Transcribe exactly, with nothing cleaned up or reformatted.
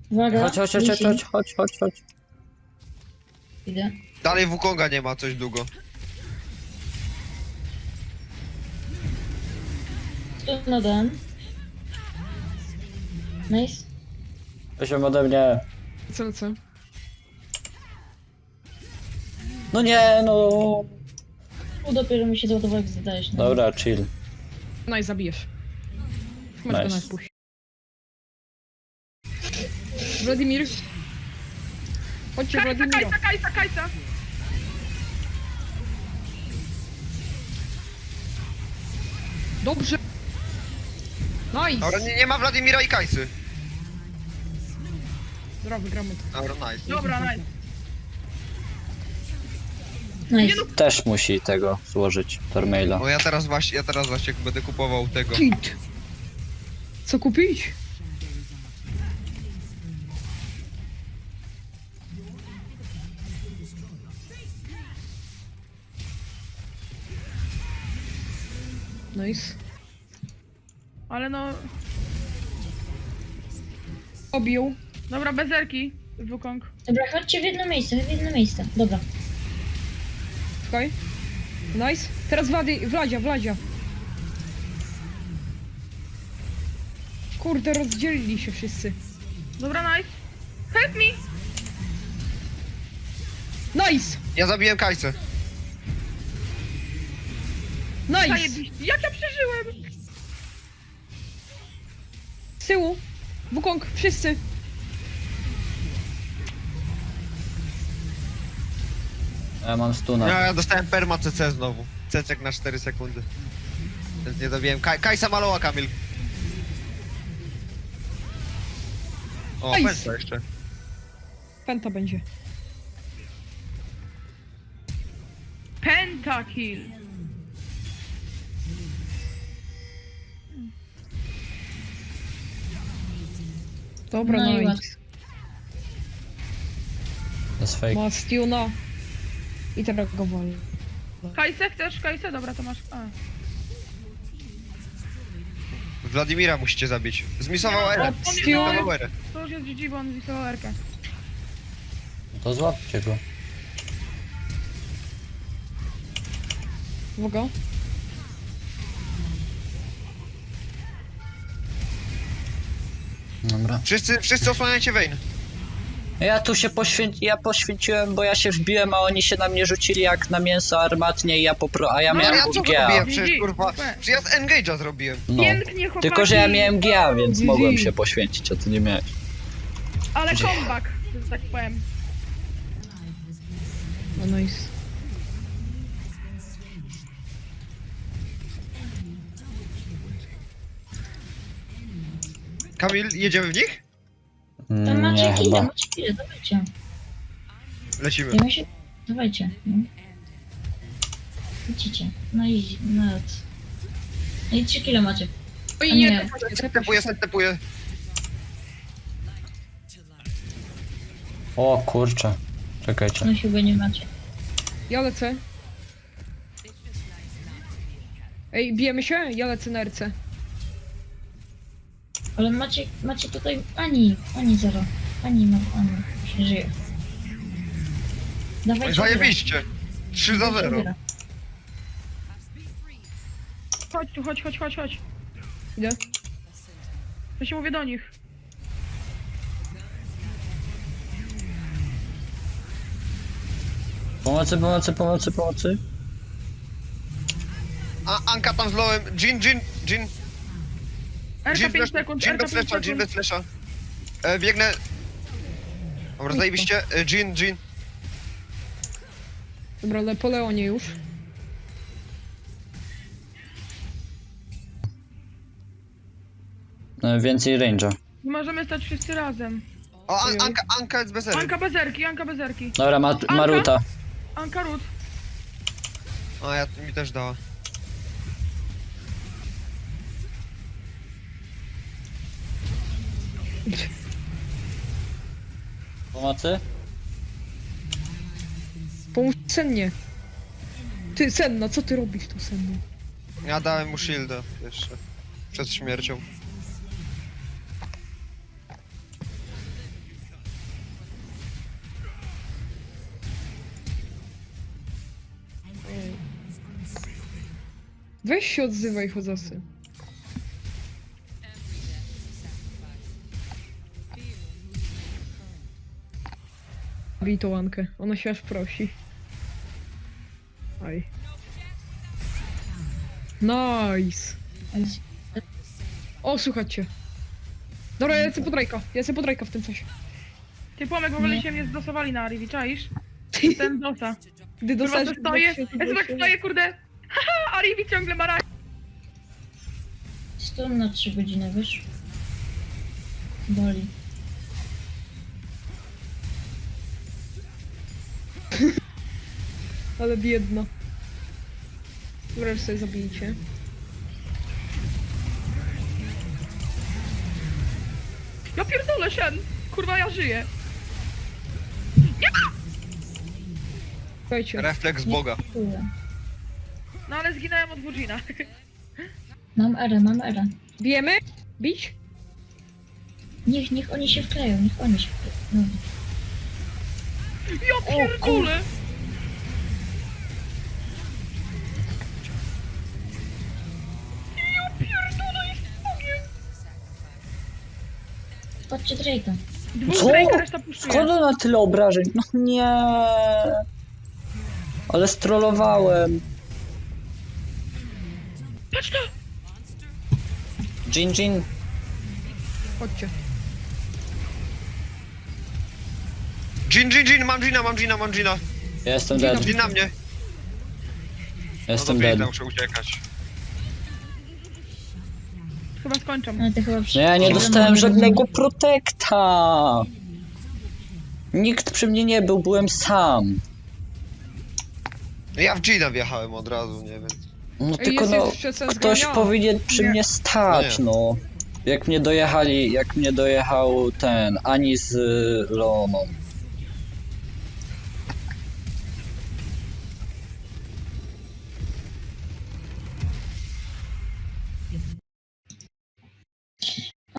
Uwaga. Chodź, chodź, chodź, chodź, chodź, chodź, chodź, chodź. Idę. Dalej Wukonga nie ma coś długo. Tu na den. Nice. Weź ode mnie. Co, co? No nie, no. Tu dopiero mi się załadował, jak zadajesz. No. Dobra, chill. No i zabijesz. Masz go Nice. na spuść. Wladimir. Chodźcie, Kajsa, Wladimiro. Kajsa, Kajsa, Kajsa! Dobrze. Nice. Dobra, nie, nie ma Wladimira i Kajsy. Dobra, wygramy to. Dobra, nice. Dobra, nice. Nice. Też musi tego złożyć, Tormaila. Bo ja teraz właśnie, ja teraz właśnie będę kupował tego. Kit. Co kupić? Nice. Ale no... Obił. Dobra, bezerki. Wukong. Dobra, chodźcie w jedno miejsce, w jedno miejsce. Dobra. Czekaj. Nice. Teraz Wlady, Wladzia, Wladzia. Kurde, rozdzielili się wszyscy. Dobra, nice. Help me! Nice! Ja zabiłem Kajsę. Nice! Zajebiście. Jak ja przeżyłem? Z tyłu. Wukong, wszyscy. Ja mam stuna. Ja, ja dostałem perma C C znowu. Cecek na cztery sekundy. Więc nie zabiłem. Kaj, Kajsa maloła, Kamil. O, Nice. pęta jeszcze. Penta będzie. Pentakill. Dobra, No i nice. łatwo. To jest fake. Ma Stiuna. I teraz go woli. Kajsę chcesz? Kajsę? Dobra, to masz... A. Wladimira musicie zabić. Zmisował Nie, Erę. on- Zmisował Erę. To już jest G G, bo on wisował erkę. To złapcie go. Uwaga. Dobra. Wszyscy, wszyscy osłaniajcie Vayne. Ja tu się poświęci, ja poświęciłem, bo ja się wbiłem, a oni się na mnie rzucili jak na mięso armatnie i ja popro... a ja No, Ale miałem ja co G A. zrobiłem? G Przecież G. kurwa. Super. Przecież ja z Engage'a zrobiłem. No. Pięknie, chłopaki. Tylko, że ja miałem G A, więc G G. mogłem się poświęcić, a ty nie miałeś. Ale comeback, że tak powiem. No nice. Kamil, jedziemy w nich? Tam Mm, macie nie, chwilę, chyba. macie chwilę, dawajcie. Lecimy. Dajmy się... Dawajcie. No. Widzicie. No i... No, no i trzy kilo macie. Oj, A nie, nie. tepa się, tepa Stepuję, się. stepuję. O kurczę. Czekajcie. No chyba nie macie. Ja lecę. Ej, bijemy się? Ja lecę na R C. Ale macie, macie tutaj... Ani, ani zero. Ani ma, ani się żyje. Dawajcie. Zajebiście. trzy za zero. Wyra. Chodź tu, chodź, chodź, chodź, chodź. Idę. To się mówię do nich. Pomocy, pomocy, pomocy, pomocy. A Anka tam z lowem. Jin, Jin, Jin. Erka Jin pięć bez, sekund, Jin Erka bez pięć flesza, Jin sekund. bez flesza. E, biegnę. Dobra, zajebiście. E, Jin, Jin. Dobra, ale po Leonie już. E, Więcej range'a. Nie możemy stać wszyscy razem. O, An Ojej. Anka, Anka jest bez ery. Anka bezerki, Anka bezerki. Dobra, ma, Maruta. Anka Rut. O, ja mi też dała. Pomocy? Pomóż Sennie. Ty, Senna, co ty robisz tu, Senna? Ja dałem mu shielda jeszcze. Przed śmiercią. Weź się odzywaj, chodzasy. Bij tą Ankę, ona się aż prosi. Aj. Nice. O, słuchajcie. Dobra, ja lecę po Drake'a. Ja lecę po Drake'a w tym coś. Ty Pomek, w ogóle Nie. się mnie zdosowali na Arivi, czaisz? Ten dosa. Gdy Kurwa, dostajesz... to stoję, ja tak stoję, kurde. Haha, Arivi ciągle ma rak. Stąd na trzy godziny, wiesz? Boli. Ale biedna. Dobra, już sobie zabijcie. Ja pierdolę, Shen. Kurwa, ja żyję. Słuchajcie. Refleks Boga. Dziękuję. No ale zginąłem od Wujina. Mam erę, mam erę. Bijemy? Bić? Niech, niech oni się wkleją, niech oni się wkleją. No. Ja pierdolę. Ja pierdolę, jest Bogiem. Patrzcie Drake'a. Dwóch Co? Drake'a, reszta puszczuje. Skąd on ma tyle obrażeń? No nie. Ale strollowałem. Patrz to! Jin Jin. Chodźcie. Jin, Jin, Jin, mam Gina, mam Gina, mam Gina. Ja jestem Dzień dead. dobry. Jin na mnie. No Jestem to dead. biegnę, muszę uciekać. Chyba skończą. Ale ty chyba przy... No ja nie przy- dostałem żadnego protekta. Nikt przy mnie nie był, byłem sam. No ja w Gina wjechałem od razu, nie wiem. No Ej, tylko jest no, jeszcze sens ktoś grania. powinien przy Nie. mnie stać, Nie. no. Jak mnie dojechali, jak mnie dojechał ten, Ani z y, Leoną.